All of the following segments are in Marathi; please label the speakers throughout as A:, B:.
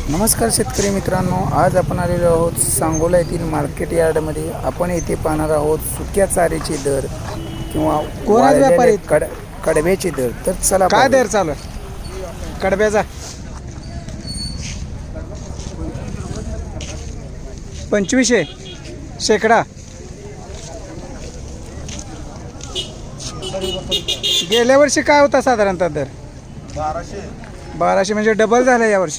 A: नमस्कार शेतकरी मित्रांनो, आज आपण आलेलो आहोत सांगोला येथील मार्केट यार्डमध्ये. आपण येथे पाहणार आहोत सुक्या चाऱ्याचे दर किंवा
B: व्यापारी
A: कडब्याचे दर. तर चला
B: काय
A: पाहूया.
B: दर चालू आहे कडब्याचा? 2500 शेकडा. गेल्या वर्षी काय होता साधारणतः दर? 1200 म्हणजे डबल झाला यावर्षी.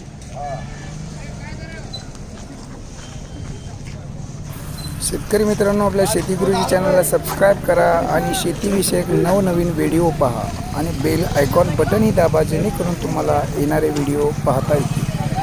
A: शेतकरी मित्रांनो, आपल्या शेतीगुरुजी चॅनलला सबस्क्राईब करा आणि शेतीविषयक नवनवीन व्हिडिओ पहा आणि बेल आयकॉन बटनही दाबा, जेणेकरून तुम्हाला येणारे व्हिडिओ पाहता येतील.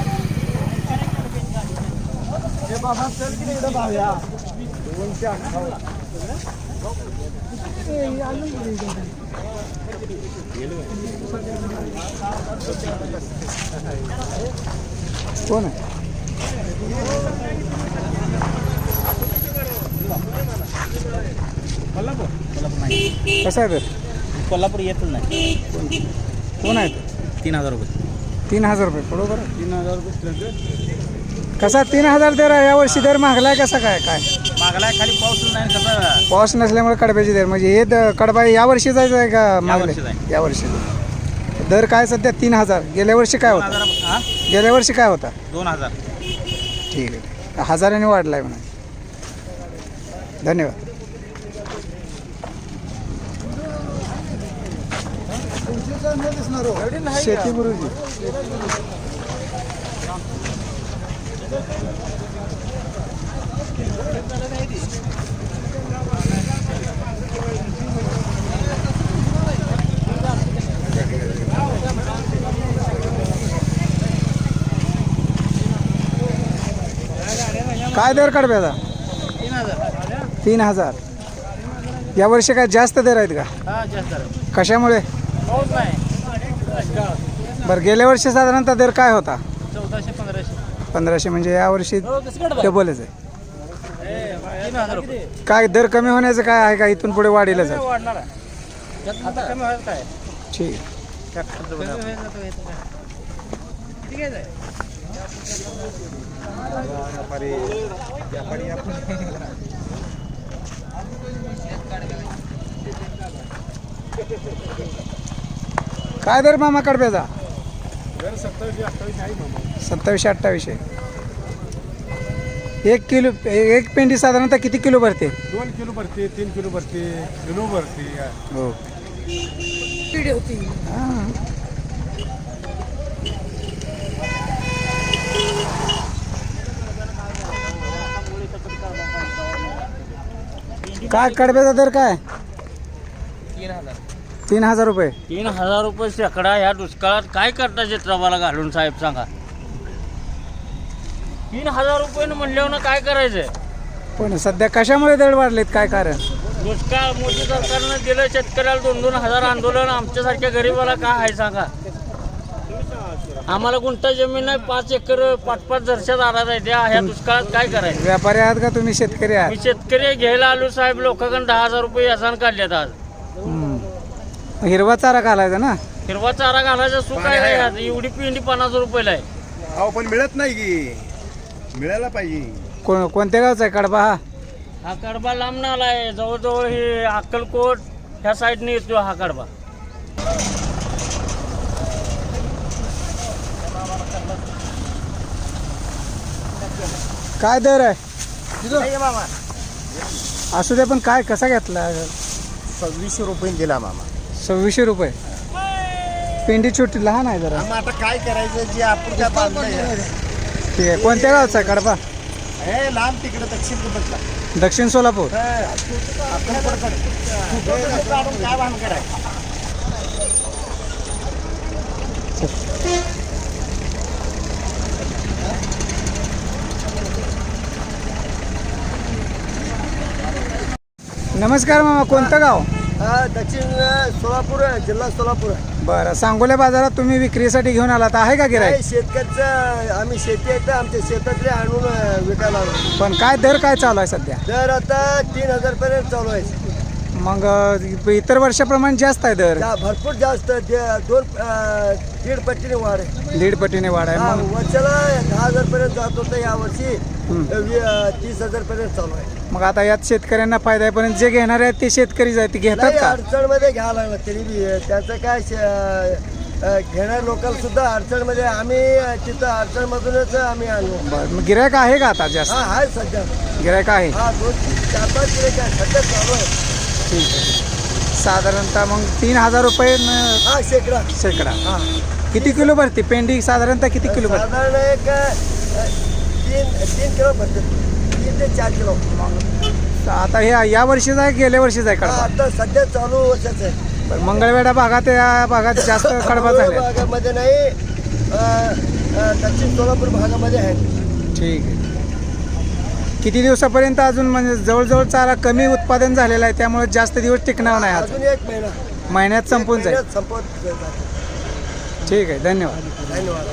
B: कोण आहे? कसं आहे तर?
C: कोल्हापूर येतच नाही.
B: कोण आहे?
C: 3000 रुपये.
B: 3000 रुपये बरोबर. 3000 रुपये कसा? 3000 दर आहे यावर्षी. दर महागलाय कसा? काय काय
C: मागलाय खाली पाऊसच नाही कसं.
B: पाऊस नसल्यामुळे कडब्याचे दर म्हणजे हे कडबा यावर्षी जायचं आहे का मागले?
C: यावर्षीच आहे.
B: यावर्षी दर काय सध्या? 3000. गेल्या वर्षी काय होता?
C: 2000.
B: गेल्या वर्षी काय होता?
C: 2000.
B: ठीक आहे, 1000ने वाढला आहे म्हणा. धन्यवाद. शेती गुरुजी. काय दर कडब्याचा? 3000. यावर्षी काय जास्त दर आहेत का?
C: हा जास्त आहे.
B: कशामुळे?
C: पाऊस नाही.
B: बरं, गेल्या वर्षी साधारणतः दर काय होता?
C: 1400-1500.
B: 1500 म्हणजे यावर्षी डबलच आहे.
C: 3000 रुपये.
B: काय दर कमी होण्याचं काय आहे का? इथून पुढे वाढीलच आहे.
C: वाढणार आहे. आता कमी व्हायचं काय?
B: ठीक आहे.
C: ठीक आहे.
B: काय दर मामा कडब्याचा? 2700-2800. एक किलो, एक पेंडी साधारणतः किती किलो भरते?
D: 2 किलो भरते, 3 किलो भरते, किलो भरते.
B: हो. हां. काय कडब्याचा दर काय? 3000 रुपये.
C: 3000 रुपये शेकडा. ह्या दुष्काळात काय करता चित्रबाला घालून साहेब सांगा? 3000 रुपये म्हणल्यावर काय करायचंय?
B: पण सध्या कशामुळे दर वाढलेत? काय कारण?
C: दुष्काळ मोदी सरकारनं दिलं शेतकऱ्याला 2-2 हजार आंदोलन. आमच्यासारख्या गरीबाला काय आहे सांगा? आम्हाला गुंठा जमीन नाही, 5 एकर 5-5 दर्शात आला आहे. त्या ह्या दुष्काळात काय करायचं?
B: व्यापारी आहात का तुम्ही? शेतकरी आहात?
C: मी शेतकरी घ्यायला आलो साहेब. लोकांकडून 10,000 रुपये यासान काढल्यात आज.
B: हिरवा चारा घालायचा ना.
C: हिरवा चारा घालायचा सुख आहे आज. एवढी पिंडी 50 रुपयाला आहे.
D: अहो पण मिळत नाही की, मिळायला पाहिजे.
B: कोणत्या गावचा आहे कडबा हा?
C: हा कडबा लांब नाला आहे. जवळजवळ हे अक्कलकोट ह्या साईडने येतो हा कडबा.
B: काय दर आहे? असू दे, पण काय कसा घेतला?
D: 2600 रुपये दिला मामा.
B: 2600 रुपये. पेंडी छोटी लहान आहे जरा.
D: आता काय करायचं? जे आपण काय बांधलंय.
B: ठीक आहे. कोणत्या गावचा आहे कडबा?
D: हे लांब तिकडे दक्षिण कुठला?
B: दक्षिण सोलापूर.
D: काय भानगड आहे?
B: नमस्कार मामा, कोणतं गाव?
D: दक्षिण सोलापूर, जिल्हा सोलापूर.
B: बरं, सांगोल्या बाजारात तुम्ही विक्रीसाठी घेऊन आलात, आहे का गिऱ्हाईक?
D: शेतकऱ्याचं आम्ही शेती आहे तर आमच्या शेतातले आणून विकायला आलो.
B: पण काय दर काय चालू आहे सध्या?
D: दर आता 3000 पर्यंत चालू आहे.
B: मग इतर वर्षाप्रमाणे जास्त आहे दर,
E: भरपूर जास्त दीड पट्टीने वाढ आहे.
B: 1.5 पटीने वाढ आहे.
E: हा,
B: मग
E: वर्षाला 10,000 पर्यंत जात होतं, यावर्षी 30,000 पर्यंत चालू आहे.
B: मग आता यात शेतकऱ्यांना फायदा आहे, पण जे घेणार आहेत ते शेतकरी आहेत ते घेतात
E: नाही
B: का?
E: अडचणमध्ये घ्यायला लागलं तरी बी त्याचं काय घेणाऱ्या लोकांना सुद्धा अडचणमध्ये आम्ही तिथं अडचणमधूनच आम्ही आणलो.
B: बरं, मग गिरायक आहे का आता जास्त?
E: हा आहे सध्या.
B: गिरायक आहे.
E: हा 2-4-5 किलो काय सध्या चालू आहे.
B: ठीक आहे. साधारणतः मग 3,000 रुपये
E: हा शेकडा.
B: शेकडा.
E: हा
B: किती किलो भरते पेंडी? साधारणतः किती किलो भरते?
E: साधारण एक 3 किलो भरते, 3 ते 4 किलो.
B: आता हे या वर्षीच आहे गेल्या वर्षीच आहे
E: हा,
B: कडबा?
E: आता सध्या चालू वर्षाचं आहे.
B: बरं, मंगळवेढा भागात या भागात जास्त कडबा झाले.
E: भागामध्ये नाही, दक्षिण सोलापूर भागामध्ये आहे.
B: ठीक आहे. किती दिवसापर्यंत अजून म्हणजे जवळजवळ चारा कमी उत्पादन झालेलं आहे, त्यामुळे जास्त दिवस टिकणार नाही. आज
E: अजून 1 महिना
B: महिन्यात संपून जाईल.
E: संपत जाईल.
B: ठीक आहे, धन्यवाद.
E: धन्यवाद.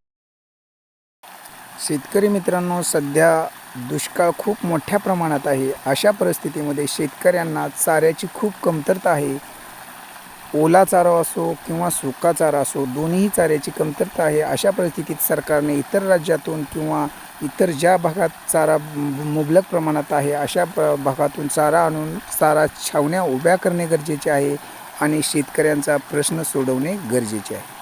A: शेतकरी मित्रांनो, सध्या दुष्काळ खूप मोठ्या प्रमाणात आहे. अशा परिस्थितीमध्ये शेतकऱ्यांना चाऱ्याची खूप कमतरता आहे. ओला चारा असो किंवा सुका चारा असो, दोन्ही चाऱ्याची कमतरता आहे. अशा परिस्थितीत सरकारने इतर राज्यातून किंवा इतर ज्या भागात चारा मुबलक प्रमाणात आहे अशा भागातून चारा आणून चारा छावण्या उभ्या करणे गरजेचे आहे आणि शेतकऱ्यांचा प्रश्न सोडवणे गरजेचे आहे.